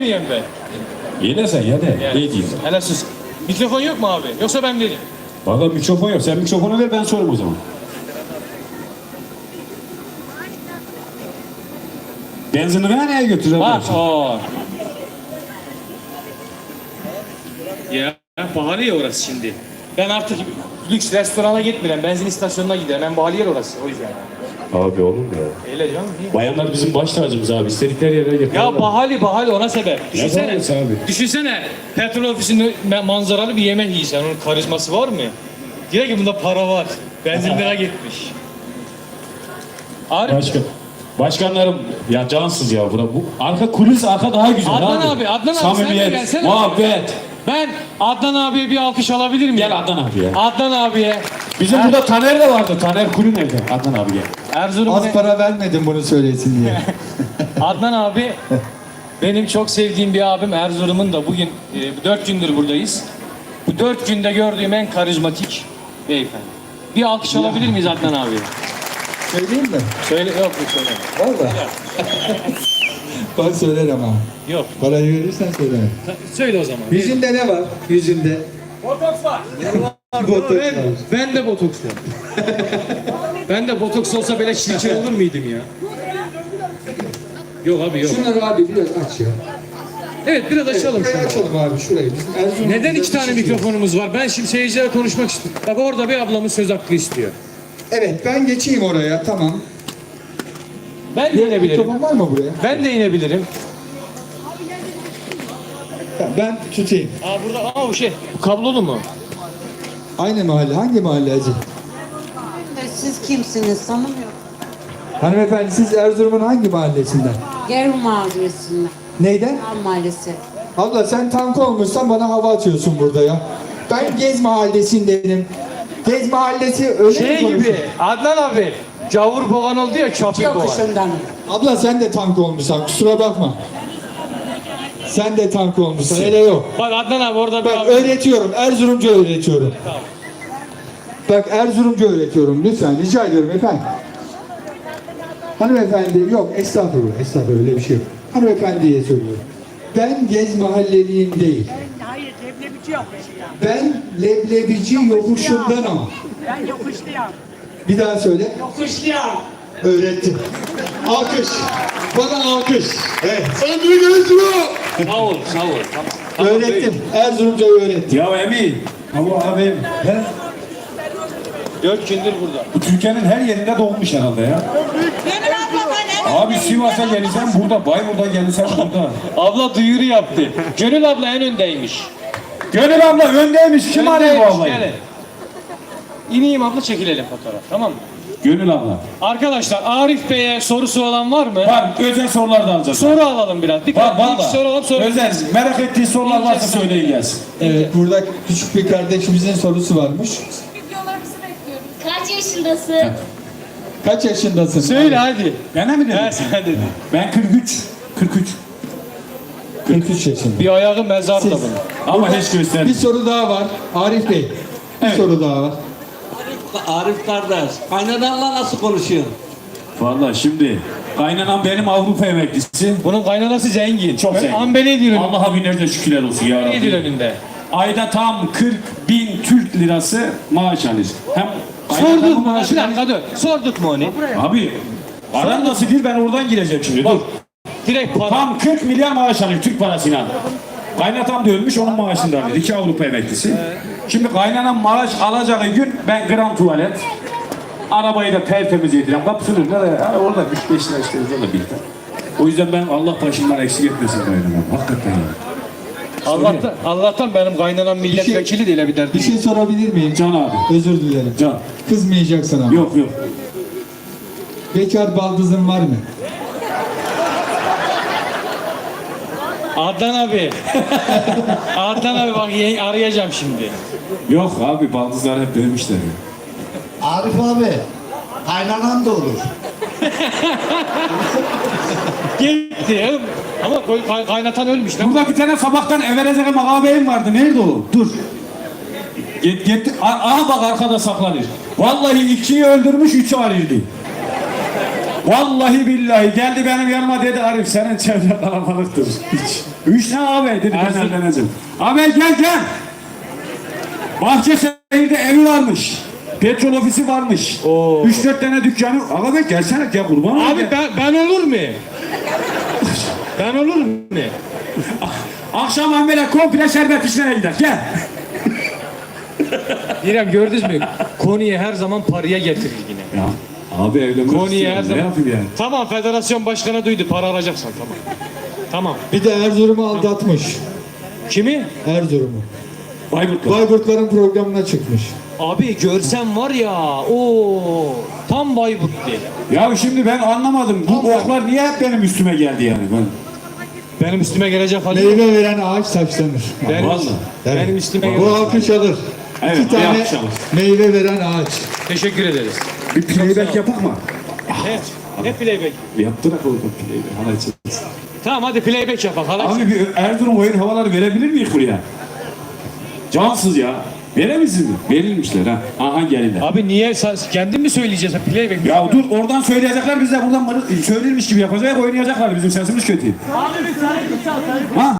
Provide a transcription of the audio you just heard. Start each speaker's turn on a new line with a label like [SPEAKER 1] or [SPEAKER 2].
[SPEAKER 1] Yiyeyim ben.
[SPEAKER 2] İyi de sen ya de.
[SPEAKER 1] Yani.
[SPEAKER 2] İyi değilsin.
[SPEAKER 1] Hele sus. Mikrofon yok mu abi? Yoksa ben vereyim.
[SPEAKER 2] Valla mikrofon yok. Sen mikrofonu ver, ben sorayım o zaman. Benzinini nereye götüreceğim?
[SPEAKER 1] Bak o. Ya pahalı ya orası şimdi. Ben artık lüks restorana gitmiyorum. Benzin istasyonuna giderim. Ben pahalı yer orası. O yüzden.
[SPEAKER 2] Abi olur mu ya?
[SPEAKER 1] Öyle canım. Değil mi?
[SPEAKER 2] Bayanlar bizim baş tacımız abi. İstedikleri yere götürürler.
[SPEAKER 1] Ya pahalı ona sebep. Düşünsene.
[SPEAKER 2] pahalısı abi?
[SPEAKER 1] Düşünsene. Petrol ofisinde manzaralı bir yemek yiysen. Onun karizması var mı? Diyor ki bunda para var. Benzinlere gitmiş.
[SPEAKER 2] Başkanlarım ya cansız ya bu arka kulis arka daha güzel
[SPEAKER 1] Adnan
[SPEAKER 2] abi.
[SPEAKER 1] Adnan abi sen de
[SPEAKER 2] Samimiyet,
[SPEAKER 1] gelsene.
[SPEAKER 2] muhabbet.
[SPEAKER 1] Ben Adnan abiye bir alkış alabilir miyim?
[SPEAKER 2] Gel Adnan abi ya.
[SPEAKER 1] Adnan abiye.
[SPEAKER 2] Bizim burada Taner de vardı. Taner Kulü nerede? Adnan abi gel.
[SPEAKER 1] Erzurum'un
[SPEAKER 3] Az para vermedim bunu söylesin diye.
[SPEAKER 1] Adnan abi benim çok sevdiğim bir abim. Erzurum'un da bugün 4 gündür buradayız. Bu 4 günde gördüğüm en karizmatik beyefendi. Bir alkış alabilir miyiz Adnan abi?
[SPEAKER 3] Söyleyeyim mi?
[SPEAKER 1] Söyle yok söyle.
[SPEAKER 3] Valla. Ben söylerim ama.
[SPEAKER 1] Yok.
[SPEAKER 3] Parayı verirsen söylerim.
[SPEAKER 1] Söyle o zaman.
[SPEAKER 3] Yüzünde ne var? Yüzünde.
[SPEAKER 1] Botoks var.
[SPEAKER 3] Botoks var.
[SPEAKER 1] Ben de botoks var. Ben de botoks olsa böyle çirkin olur muydum ya? Yok abi yok.
[SPEAKER 3] Şunları abi biraz aç ya.
[SPEAKER 1] Evet biraz açalım
[SPEAKER 3] Şurayı
[SPEAKER 1] şunu.
[SPEAKER 3] açalım abi şurayı. Bizim Erzurum
[SPEAKER 1] Neden iki tane
[SPEAKER 3] güzel bir şey.
[SPEAKER 1] mikrofonumuz var? Ben şimdi seyircilere konuşmak istiyorum. Bak orada bir ablamız söz hakkı istiyor.
[SPEAKER 3] Evet ben geçeyim oraya tamam.
[SPEAKER 1] Ben de inebilirim.
[SPEAKER 3] Mikrofon var mı buraya?
[SPEAKER 1] Ben de inebilirim.
[SPEAKER 3] Ben tutayım.
[SPEAKER 1] Burada o şey. Bu kablolu mu?
[SPEAKER 3] Aynı mahalle. Hangi mahalle acı?
[SPEAKER 4] Siz kimsiniz tanımıyorum.
[SPEAKER 3] Hanımefendi siz Erzurum'un hangi mahallesinden?
[SPEAKER 4] Gerun Mahallesi'nden.
[SPEAKER 3] Neyden?
[SPEAKER 4] Ham Mahallesi.
[SPEAKER 3] Abla sen tank olmuşsan bana hava atıyorsun burada ya. Ben Gez Mahallesi'ndenim. Gez Mahallesi öyle mi
[SPEAKER 1] Şey
[SPEAKER 3] konuşuyor?
[SPEAKER 1] gibi. Adnan abi. Cavur boğan oldu ya çapır boğan.
[SPEAKER 4] Yokuşundan.
[SPEAKER 3] Abla sen de tank olmuşsan kusura bakma. Sen de tank olmuşsun hele yok.
[SPEAKER 1] Bak Adnan abi orada bir
[SPEAKER 3] Bak
[SPEAKER 1] abi.
[SPEAKER 3] öğretiyorum Erzurumca öğretiyorum. Bak Erzurumca öğretiyorum lütfen rica ediyorum efendim. Hanımefendi yok estağfurullah öyle bir şey yok. Hanımefendiye söylüyorum. Ben Gez Mahalleliyim değil.
[SPEAKER 5] Hayır, leblebici yokuşluyum.
[SPEAKER 3] Ben leblebici yokuşundan ama.
[SPEAKER 5] Ben yokuşluyum.
[SPEAKER 3] Bir daha söyle.
[SPEAKER 5] Yokuşluyum.
[SPEAKER 3] Öğrettim. Alkış. Bana alkış. Evet. Ömrü gözlü.
[SPEAKER 1] Sağ ol. Tamam.
[SPEAKER 3] Öğrettim. Erzurumca öğrettim.
[SPEAKER 2] Ya Emin. Ama abim. He?
[SPEAKER 1] 4 gündür burada.
[SPEAKER 2] Bu Türkiye'nin her yerinde doğmuş herhalde ya. Abi Sivas'a gelirsen burada, Bayburt'a gelirsen burada.
[SPEAKER 1] Abla duyuru yaptı. Gönül abla en öndeymiş.
[SPEAKER 2] Gönül abla öndeymiş. Kim arıyor bu ablayı?
[SPEAKER 1] Gelin. İneyim abla çekilelim fotoğraf tamam mı?
[SPEAKER 2] Gönül abla.
[SPEAKER 1] Arkadaşlar Arif Bey'e sorusu olan var mı?
[SPEAKER 2] Var, özel sorular da alacağız.
[SPEAKER 1] Soru alalım biraz.
[SPEAKER 2] Var,
[SPEAKER 1] Dikkat
[SPEAKER 2] var da.
[SPEAKER 1] soru alalım sonra.
[SPEAKER 2] Özel, merak ettiği sorular varsa söyleyin gelsin.
[SPEAKER 3] Evet burada küçük bir kardeşimizin sorusu varmış.
[SPEAKER 6] Videolarımızı bekliyoruz. Kaç yaşındasın?
[SPEAKER 3] Kaç yaşındasın?
[SPEAKER 1] Söyle hadi.
[SPEAKER 2] Ben mi dedim?
[SPEAKER 1] He sen dedin.
[SPEAKER 2] Ben 43.
[SPEAKER 3] 43 yaşında.
[SPEAKER 1] Bir ayağı mezarda
[SPEAKER 3] Siz-
[SPEAKER 1] bunun.
[SPEAKER 2] Ama hiç
[SPEAKER 3] Bir
[SPEAKER 2] göstermiyor.
[SPEAKER 3] soru daha var. Arif Bey. Bir soru daha var.
[SPEAKER 7] Arif kardeş, kaynananla nasıl konuşuyorsun?
[SPEAKER 2] Vallahi şimdi kaynanan benim Avrupa emeklisi.
[SPEAKER 1] Bunun kaynanası zengin.
[SPEAKER 2] Çok zengin.
[SPEAKER 1] Ambele ediyor.
[SPEAKER 2] Allah'a binlerce şükürler olsun ya
[SPEAKER 1] Ambele ediyor
[SPEAKER 2] Rabbi.
[SPEAKER 1] önünde.
[SPEAKER 2] Ayda tam 40.000 Türk lirası maaş alır. Hem
[SPEAKER 1] Sorduk
[SPEAKER 2] kaynanamın
[SPEAKER 1] mu? Bir
[SPEAKER 2] maaşını-
[SPEAKER 1] dakika dur. Sorduk mu onu?
[SPEAKER 2] Abi aran nasıl değil, ben oradan gireceğim şimdi. Dur.
[SPEAKER 1] Direkt para.
[SPEAKER 2] Tam 40 milyar maaş alıyor Türk parasıyla. Kaynatam da ölmüş, onun maaşını da alıyor. 2 Avrupa emeklisi. Şimdi kaynanan maaş alacağı gün ben grand tuvalet, arabayı da tertemiz yedirem. Kapısının önünde de yani orada 3-5 lira işte orada birlikte. O yüzden ben Allah başımdan eksik etmesin kaynanam. Hakikaten yani.
[SPEAKER 1] Allah'tan benim kaynanam milletvekili değil bir derdi.
[SPEAKER 3] Bir şey sorabilir miyim?
[SPEAKER 2] Can abi.
[SPEAKER 3] Özür dilerim.
[SPEAKER 2] Can.
[SPEAKER 3] Kızmayacaksın ama.
[SPEAKER 2] Yok.
[SPEAKER 3] Bekar baldızın var mı?
[SPEAKER 1] Adnan abi. Adnan abi bak arayacağım şimdi.
[SPEAKER 2] Yok abi, baldızlar hep dövmüşler.
[SPEAKER 8] Arif abi, kaynanan da olur.
[SPEAKER 1] Gitti. Ama kaynatan ölmüş lan.
[SPEAKER 2] Burada bir tane sabahtan Everezek'e ağabeyim vardı. Nerede o? Dur. Gitti. Aha bak arkada saklanır. Vallahi 2'yi öldürmüş, 3'ü arıyordu. Vallahi billahi geldi benim yanıma dedi Arif senin çevre kalabalıktır. Üç ne abi dedi ben
[SPEAKER 1] Erzurum-
[SPEAKER 2] evleneceğim. Abi gel. Bahçeşehir'de evi varmış. Petrol ofisi varmış.
[SPEAKER 1] Oo.
[SPEAKER 2] 3-4 tane dükkanı. Abi gelsene gel kurban olayım.
[SPEAKER 1] Abi ben olur mu? Ben olur mu?
[SPEAKER 2] Akşam Ahmet'e komple şerbet işlerine gider. Gel.
[SPEAKER 1] İrem gördünüz mü? Konuyu her zaman paraya getirir yine.
[SPEAKER 2] Ya abi evlenmek
[SPEAKER 1] Konuyu
[SPEAKER 2] istiyorum.
[SPEAKER 1] her
[SPEAKER 2] Ne
[SPEAKER 1] zaman.
[SPEAKER 2] yapayım yani?
[SPEAKER 1] Tamam federasyon başkanı duydu. Para alacaksan tamam. Tamam.
[SPEAKER 3] Bir de Erzurum'u aldatmış.
[SPEAKER 1] Kimi?
[SPEAKER 3] Erzurum'u.
[SPEAKER 2] Bayburt'la.
[SPEAKER 3] Bayburtların programına çıkmış.
[SPEAKER 1] Abi görsen var ya. O tam Bayburt diye.
[SPEAKER 2] Ya şimdi ben anlamadım. Bu oklar niye hep benim üstüme geldi yani?
[SPEAKER 1] Benim üstüme gelecek hali yok.
[SPEAKER 3] Meyve veren ağaç taşlanır.
[SPEAKER 1] Benim,
[SPEAKER 2] Vallahi.
[SPEAKER 1] benim üstüme
[SPEAKER 3] Bu
[SPEAKER 1] gelecek.
[SPEAKER 3] alkış alır.
[SPEAKER 2] Evet,
[SPEAKER 3] 2
[SPEAKER 2] bir
[SPEAKER 3] tane
[SPEAKER 2] alkış alır.
[SPEAKER 3] meyve veren ağaç.
[SPEAKER 1] Teşekkür ederiz.
[SPEAKER 2] Bir playback yapak mı?
[SPEAKER 1] Evet. Ne playback?
[SPEAKER 2] Yaptırak oldu playback. Hala içeriz.
[SPEAKER 1] Tamam hadi playback yapalım. Hala
[SPEAKER 2] Abi bir Erzurum oyun havaları verebilir miyiz buraya? Cansız ya. Veremezsiniz mi? Verilmişler ha. Aha gelirler.
[SPEAKER 1] Abi niye kendin mi söyleyeceğiz? Playback.
[SPEAKER 2] Ya dur oradan söyleyecekler biz de buradan söylenmiş gibi yapacak oynayacaklar bizim sesimiz kötü. Ha?